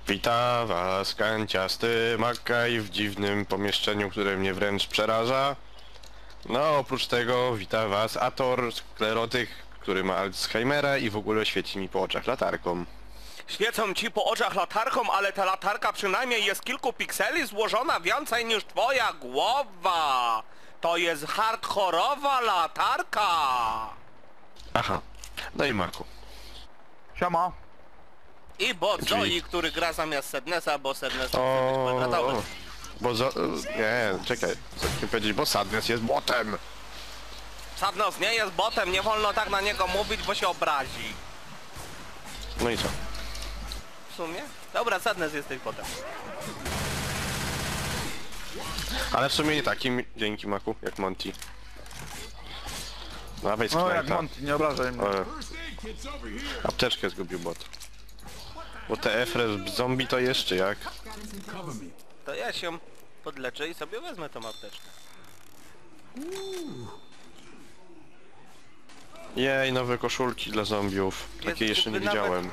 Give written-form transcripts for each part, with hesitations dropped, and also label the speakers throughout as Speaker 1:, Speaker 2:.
Speaker 1: Wita was kanciasty Makaj w dziwnym pomieszczeniu, które mnie wręcz przeraża. No oprócz tego wita was Ator, sklerotyk, który ma Alzheimera i w ogóle świeci mi po oczach latarką.
Speaker 2: Świecą ci po oczach latarką, ale ta latarka przynajmniej jest kilku pikseli złożona więcej niż twoja głowa. To jest hardkorowa latarka.
Speaker 1: Aha, no i Maku.
Speaker 3: Siema.
Speaker 2: I bot
Speaker 1: Drzwi.
Speaker 2: Zoe, który gra zamiast Sadnessa, bo Sadness to
Speaker 1: O,
Speaker 2: chce być kwadratowy.
Speaker 1: bo nie, czekaj, chcę powiedzieć, bo Sadness jest botem.
Speaker 2: Sadness nie jest botem, nie wolno tak na niego mówić, bo się obrazi.
Speaker 1: No i co?
Speaker 2: W sumie? Dobra, Sadness jesteś botem.
Speaker 1: Ale w sumie nie takim, dzięki Maku, jak Monty. Dawaj
Speaker 3: No jak
Speaker 1: skręta.
Speaker 3: Monty, nie obrażaj mnie.
Speaker 1: Apteczkę zgubił bot. Bo te efres zombie to jeszcze jak?
Speaker 2: To ja się podleczę i sobie wezmę tą apteczkę.
Speaker 1: Jej, nowe koszulki dla zombiów. Takiej jeszcze nie
Speaker 2: nawet-
Speaker 1: widziałem.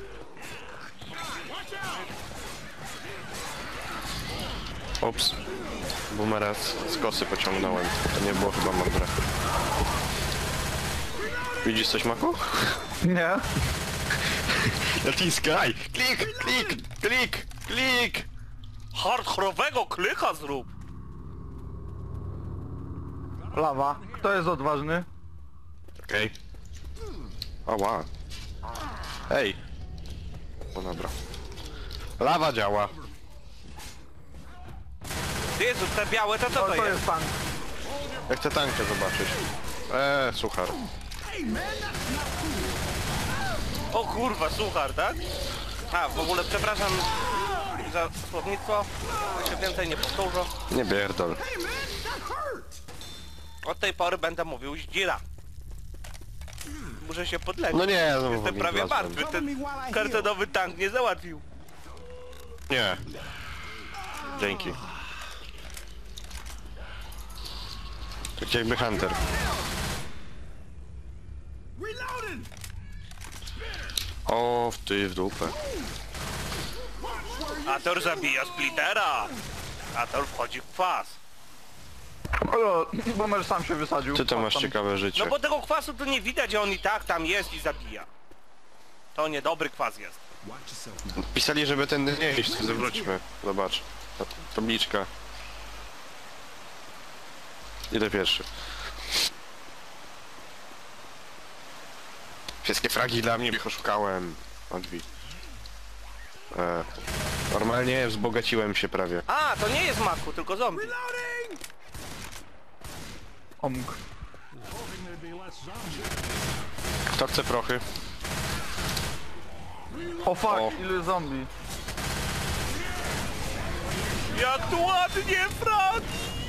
Speaker 1: Ups. Boomera z kosy pociągnąłem. To nie było chyba mądre. Widzisz coś, Maku?
Speaker 3: Nie?
Speaker 1: Naciskaj! Klik! Klik! Klik! Klik!
Speaker 2: Hardkorowego klika zrób!
Speaker 3: Lawa. Kto jest odważny?
Speaker 1: Okej. Ała. Ej! No dobra. Lawa działa.
Speaker 2: Jezu, te białe to co
Speaker 3: To,
Speaker 2: to
Speaker 3: to
Speaker 2: jest?
Speaker 3: jest tank.
Speaker 1: Ja chcę tankę zobaczyć. Suchar.
Speaker 2: O kurwa, suchar, tak? A, w ogóle przepraszam za słownictwo. Się więcej nie powtórzę.
Speaker 1: Nie pierdol.
Speaker 2: Od tej pory będę mówił zdzira. Muszę się podleczyć.
Speaker 1: No nie, no
Speaker 2: Jestem
Speaker 1: mi
Speaker 2: prawie
Speaker 1: wlazłem.
Speaker 2: martwy. Ten kartonowy tank nie załatwił.
Speaker 1: Nie. Dzięki. Tak jakby Hunter. O, w dupę.
Speaker 2: Ator zabija splittera. Ator wchodzi w kwas.
Speaker 3: O, Boomer sam się wysadził.
Speaker 1: Ty to masz
Speaker 3: Tam.
Speaker 1: ciekawe życie.
Speaker 2: No bo tego kwasu to nie widać, a on i tak tam jest i zabija. To niedobry kwas jest.
Speaker 1: Pisali, żeby tędy nie iść, to zawróćmy. Zobacz. Ta tabliczka. Idę pierwszy. Wszystkie fragi dla mnie, ich oszukałem. Odbij. Normalnie wzbogaciłem się prawie.
Speaker 2: A, to nie jest Maku, tylko zombie.
Speaker 3: Omg.
Speaker 1: Kto chce prochy?
Speaker 3: O fuck,
Speaker 1: O.
Speaker 3: ile zombie.
Speaker 2: Jak tu ładnie, Frank!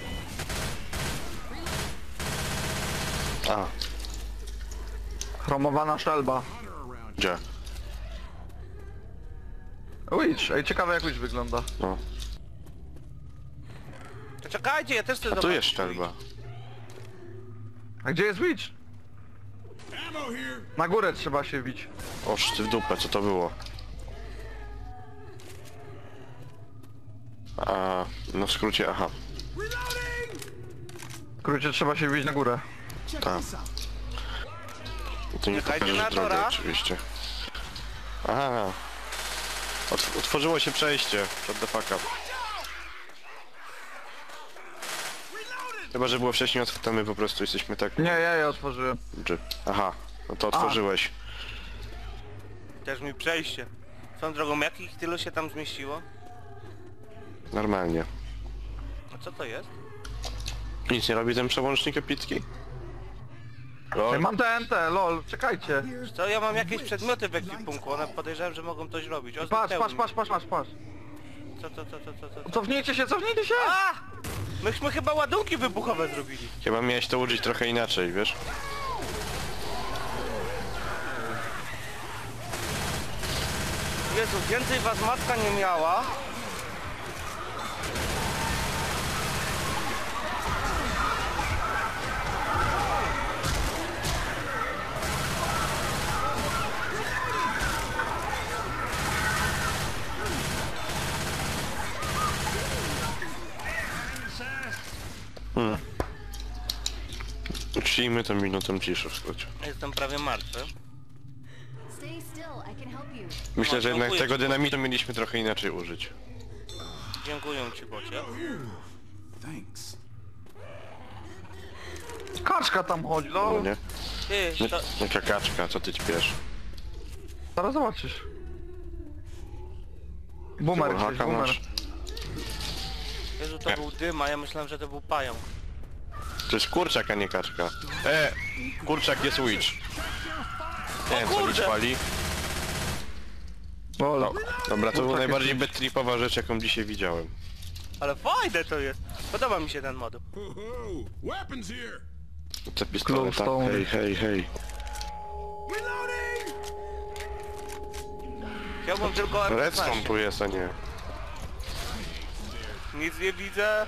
Speaker 1: A,
Speaker 3: Chromowana szelba.
Speaker 1: gdzie?
Speaker 3: Witch, ej, ciekawe jak Witch wygląda.
Speaker 1: No.
Speaker 2: To czekajcie, ja też chcę
Speaker 1: A tu
Speaker 2: zobaczyć.
Speaker 1: jest szczelba.
Speaker 3: A gdzie jest Witch? Na górę trzeba się bić.
Speaker 1: Oż ty w dupę, co to było? A, no w skrócie, aha.
Speaker 3: W skrócie trzeba się bić na górę.
Speaker 1: Tak. To nie
Speaker 2: Czekajcie
Speaker 1: pokażesz
Speaker 2: na
Speaker 1: drogę
Speaker 2: Tora.
Speaker 1: oczywiście. Aha. Otworzyło się przejście. Shut the fuck up. Chyba, że było wcześniej otwarte, my po prostu jesteśmy tak...
Speaker 3: Nie, ja je otworzyłem.
Speaker 1: Aha, no to otworzyłeś.
Speaker 2: Też mi przejście. Swoją drogą, jakich tylu się tam zmieściło?
Speaker 1: Normalnie.
Speaker 2: A co to jest?
Speaker 1: Nic nie robi ten przełącznik epicki?
Speaker 3: Ej, mam TNT, lol, czekajcie.
Speaker 2: Wiesz co, ja mam jakieś przedmioty w ekwipunku, one podejrzewam, że mogą coś robić. O,
Speaker 3: Patrz,
Speaker 2: zniknęły
Speaker 3: patrz,
Speaker 2: mi.
Speaker 3: patrz, patrz, patrz, patrz.
Speaker 2: Co?
Speaker 3: Cofnijcie się, cofnijcie się!
Speaker 2: A! Myśmy chyba ładunki wybuchowe zrobili.
Speaker 1: Chyba miałeś to użyć trochę inaczej, wiesz?
Speaker 2: Jezu, więcej was matka nie miała.
Speaker 1: Przyjmy tę minutę ciszy w skrócie.
Speaker 2: Jestem prawie martwy.
Speaker 4: Stay still, I can help you.
Speaker 1: Myślę, że jednak
Speaker 2: dziękuję
Speaker 1: tego
Speaker 2: ci,
Speaker 1: dynamitu mieliśmy trochę inaczej użyć.
Speaker 2: Dziękuję ci, bocie.
Speaker 5: Thanks.
Speaker 3: Kaczka tam chodzi,
Speaker 1: No
Speaker 3: no.
Speaker 1: nie?
Speaker 2: Ty,
Speaker 1: Nie,
Speaker 2: to...
Speaker 1: jaka kaczka, co ty ćpiesz?
Speaker 3: Zaraz zobaczysz. Boomer gdzieś,
Speaker 1: Haka
Speaker 3: boomer.
Speaker 1: masz?
Speaker 2: Jezu, to był dym, a ja myślałem, że to był pająk.
Speaker 1: To jest kurczak, a nie kaczka. Kurczak jest witch. Nie wiem, co mi
Speaker 2: kurde!
Speaker 1: pali.
Speaker 3: O,
Speaker 1: No, dobra, to była
Speaker 3: Kurczak
Speaker 1: najbardziej
Speaker 3: jest
Speaker 1: bedtripowa rzecz, jaką dzisiaj widziałem.
Speaker 2: Ale fajne to jest. Podoba mi się ten mod.
Speaker 5: Weapons here.
Speaker 1: Te pistolety, tak?
Speaker 3: Glowstone.
Speaker 1: Hej, hej, hej.
Speaker 5: Reloading.
Speaker 2: Chciałbym tylko
Speaker 1: Redstone
Speaker 2: R15.
Speaker 1: tu jest, a nie.
Speaker 2: Nic nie widzę.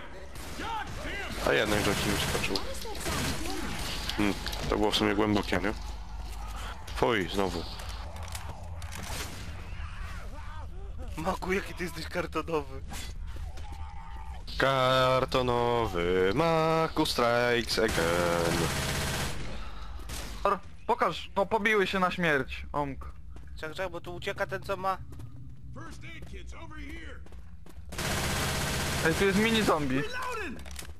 Speaker 1: A jednak do kim skoczył. To było w sumie głębokie, nie? Fuj, znowu.
Speaker 2: Maku, jaki ty jesteś kartonowy.
Speaker 1: Kartonowy Maku strikes again.
Speaker 3: Pokaż, no pobiły się na śmierć, omk.
Speaker 2: Czekaj, bo tu ucieka ten, co ma...
Speaker 5: First aid kits over here.
Speaker 3: Ej, tu jest mini zombie.
Speaker 5: Reloading.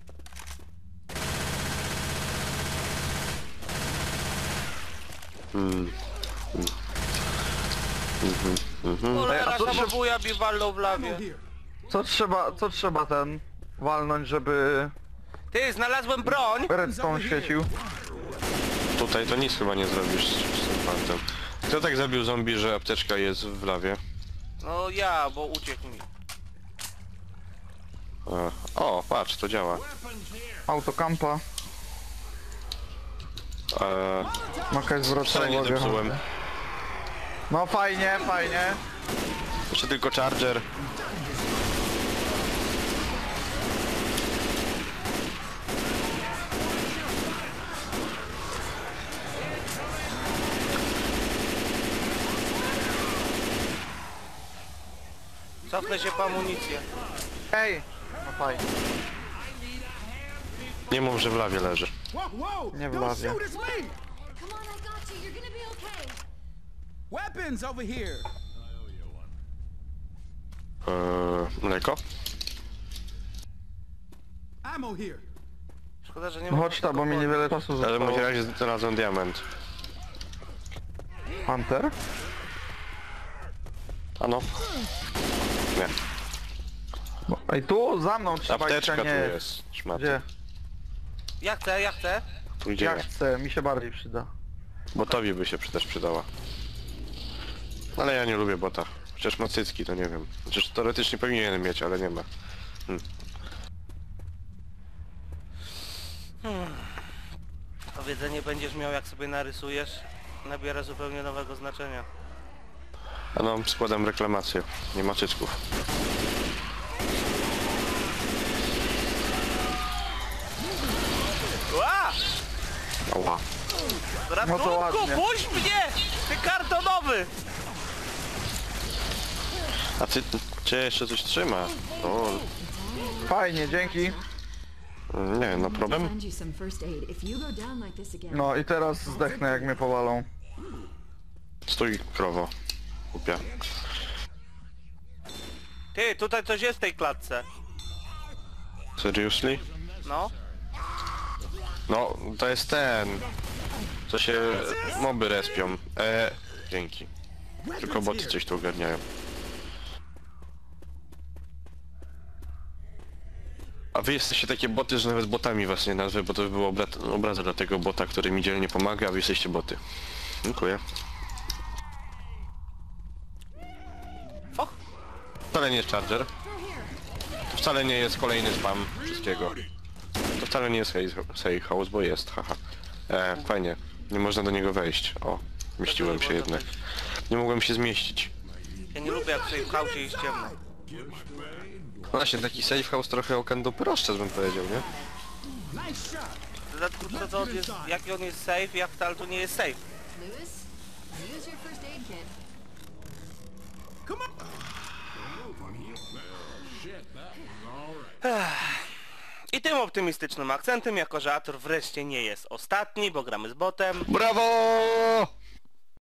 Speaker 2: Cholera,
Speaker 3: a co trzeba-
Speaker 2: samobuja mi walnął w lawie.
Speaker 5: Here.
Speaker 3: Co trzeba ten walnąć, żeby
Speaker 2: Ty, znalazłem broń!
Speaker 3: redstone świecił?
Speaker 1: Tutaj to nic chyba nie zrobisz z tym fantem. Kto tak zabił zombie, że apteczka jest w lawie?
Speaker 2: No ja, bo uciekł mi.
Speaker 1: O, patrz, to działa.
Speaker 3: Autokampa. Jakaś zwrotna
Speaker 1: Wcale nie
Speaker 3: uwaga.
Speaker 1: zepsułem.
Speaker 3: No fajnie, fajnie.
Speaker 1: Jeszcze tylko charger.
Speaker 2: Cofnę się po amunicję.
Speaker 3: Ej! No fajnie.
Speaker 1: Nie mów, że w lawie leży.
Speaker 5: Whoa, whoa.
Speaker 3: Nie w
Speaker 5: Don't
Speaker 3: lawie.
Speaker 5: shoot, it's me.
Speaker 4: Come on, I got you. You're gonna be okay.
Speaker 5: Weapons over here.
Speaker 1: Mleko?
Speaker 5: Ammo here.
Speaker 2: Szkoda, że nie
Speaker 3: No
Speaker 2: ma...
Speaker 3: chodź tam, bo mi niewiele czasu
Speaker 1: Ale w
Speaker 3: zostało.
Speaker 1: takim razie znalazłem diament.
Speaker 3: Hunter?
Speaker 1: Ano? Nie.
Speaker 3: Ej, tu za mną trzeba iść,
Speaker 1: Apteczka
Speaker 3: a
Speaker 1: tu
Speaker 3: nie...
Speaker 1: jest. Szmat.
Speaker 3: Gdzie?
Speaker 2: Ja chcę, ja chcę.
Speaker 1: Tu
Speaker 3: Ja
Speaker 1: idziemy.
Speaker 3: chcę, mi się bardziej przyda.
Speaker 1: Bo tobie by się też przydała. Ale ja nie lubię bota. Chociaż ma cycki, to nie wiem. Chociaż teoretycznie powinien mieć, ale nie ma.
Speaker 2: Powiedzenie będziesz miał, jak sobie narysujesz, nabiera zupełnie nowego znaczenia.
Speaker 1: A no, składam reklamację. Nie ma cycków.
Speaker 2: Ła!
Speaker 1: Ała.
Speaker 2: Ratunku,
Speaker 3: ładnie.
Speaker 2: puść mnie! Ty kartonowy!
Speaker 1: A ty... Cię jeszcze coś trzyma? O,
Speaker 3: Fajnie, dzięki.
Speaker 1: nie, no problem?
Speaker 4: Send you some first aid. If you go down like this again.
Speaker 3: No i teraz zdechnę, jak mnie powalą.
Speaker 1: Stój, krowo. Głupia.
Speaker 2: Ty, tutaj coś jest w tej klatce.
Speaker 1: Seriously?
Speaker 2: No.
Speaker 1: No, to jest ten... Co się moby respią. Dzięki. Tylko boty coś tu ogarniają. A wy jesteście takie boty, że nawet botami was nie nazwę, bo to by było obraza dla tego bota, który mi dzielnie pomaga, a wy jesteście boty. Dziękuję.
Speaker 2: Och,
Speaker 1: Wcale nie jest charger. To wcale nie jest kolejny spam wszystkiego. To wcale nie jest safe house, bo jest, haha. Fajnie. Nie można do niego wejść. O, mieściłem się jednak. Nie mogłem się zmieścić.
Speaker 2: ja nie lubię, jak tutaj w kaucie jest ciemno.
Speaker 1: Właśnie, taki safe house trochę okan do proszcza, bym powiedział, nie?
Speaker 2: W dodatku, co to jest, jaki on jest safe, jak wcale tu nie jest safe.
Speaker 4: Lewis, use your first aid kit.
Speaker 5: Come on.
Speaker 2: I tym optymistycznym akcentem, jako że Ator wreszcie nie jest ostatni, bo gramy z botem.
Speaker 1: Brawo!